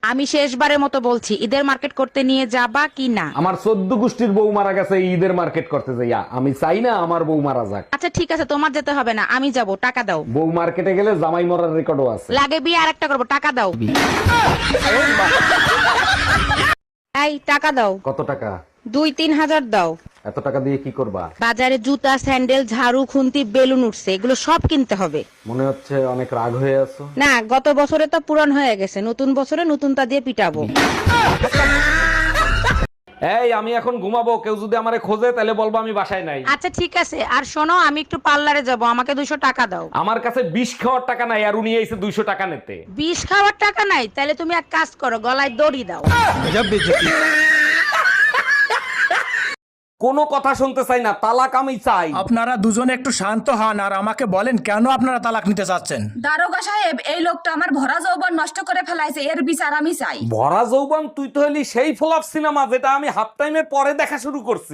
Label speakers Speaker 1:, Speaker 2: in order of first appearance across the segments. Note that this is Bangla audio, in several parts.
Speaker 1: আমি শেষবারের মতো বলছি, ঈদের মার্কেট করতে নিয়ে যাবা কি না?
Speaker 2: আমার 14 গোষ্ঠীর বউ মারা গেছে এই ঈদের মার্কেট করতে যাইয়া, আমি চাই না আমার বউ মারা যাক।
Speaker 1: আচ্ছা ঠিক আছে, তোমার যেতে হবে না, আমি যাব, টাকা দাও।
Speaker 2: বউ মার্কেটে গেলে জামাই মরার রেকর্ডও আছে।
Speaker 1: লাগে বিয়ে আর একটা করবো, টাকা দাও। এই টাকা দাও।
Speaker 2: কত টাকা?
Speaker 1: 2-3 হাজার দাও।
Speaker 2: এত টাকা দিয়ে কি করবা?
Speaker 1: বাজারে জুতা, স্যান্ডেল, ঝাড়ু, খুন্তি, বেলুন উঠছে, এগুলো সব কিনতে হবে।
Speaker 2: মনে হচ্ছে অনেক রাগ হয়ে আছো।
Speaker 1: না, গত বছরে তো পুরান হয়ে গেছে, নতুন বছরে নতুনটা দিয়ে পিটাবো।
Speaker 2: এই আমি এখন ঘুমাবো, কেউ যদি আমারে খোঁজে তাহলে বলবো আমি বাসায় নাই।
Speaker 1: আচ্ছা ঠিক আছে, আর শোনো, আমি একটু পার্লারে যাব, আমাকে 200 টাকা দাও।
Speaker 2: আমার কাছে 20 খাওয়ার টাকা নাই, আর উনি এসে 200 টাকা নিতে।
Speaker 1: 20 খাওয়ার টাকা নাই? তাহলে তুমি এক কাজ করো, গলায় দড়ি দাও।
Speaker 2: কোনো কথা শুনতে চাই না, তালাক আমি চাই।
Speaker 3: আপনারা দুজনে একটু শান্ত হন আর আমাকে বলেন কেন আপনারা তালাক নিতে চাচ্ছেন।
Speaker 4: দারোগা সাহেব, এই লোকটা আমার ভরা যৌবন নষ্ট করে ফেলাইছে, এর বিচার আমি চাই।
Speaker 2: ভরা যৌবন? তুই তো হলি সেই ফ্লপ সিনেমা যেটা আমি হাফ টাইমের পরে দেখা শুরু করছি।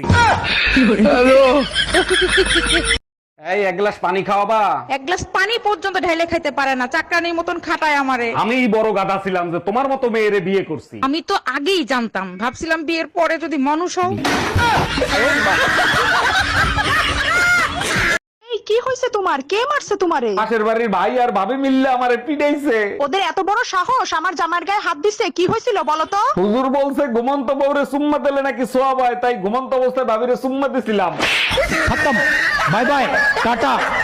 Speaker 2: এই এক গ্লাস পানি খাওয়াবা?
Speaker 1: এক গ্লাস পানি পর্যন্ত ঢেলে খাইতে পারে না, চাকরানির মতন খাটায় আমারে।
Speaker 2: আমি বড় গাধা ছিলাম যে তোমার মতো মেয়েরে বিয়ে করছি।
Speaker 1: আমি তো আগেই জানতাম, ভাবছিলাম বিয়ের পরে যদি মানুষ হও।
Speaker 5: এই কি হয়েছে তোমার? কে মারছে তোমারে?
Speaker 2: পাশের বাড়ির ভাই আর ভাবি মিললে আমারে পিটাইছে।
Speaker 5: ওদের এত বড় সাহস আমার জামার গায়ে হাত দিছে? কি হয়েছিল বলো তো?
Speaker 2: হুজুর বলছে ঘুমন্ত বউরে সুম্মা দিলে নাকি সোয়াব হয়, তাই ঘুমন্ত অবস্থায় ভাবিরে সুম্মা দিছিলাম।
Speaker 3: Bye bye, tata.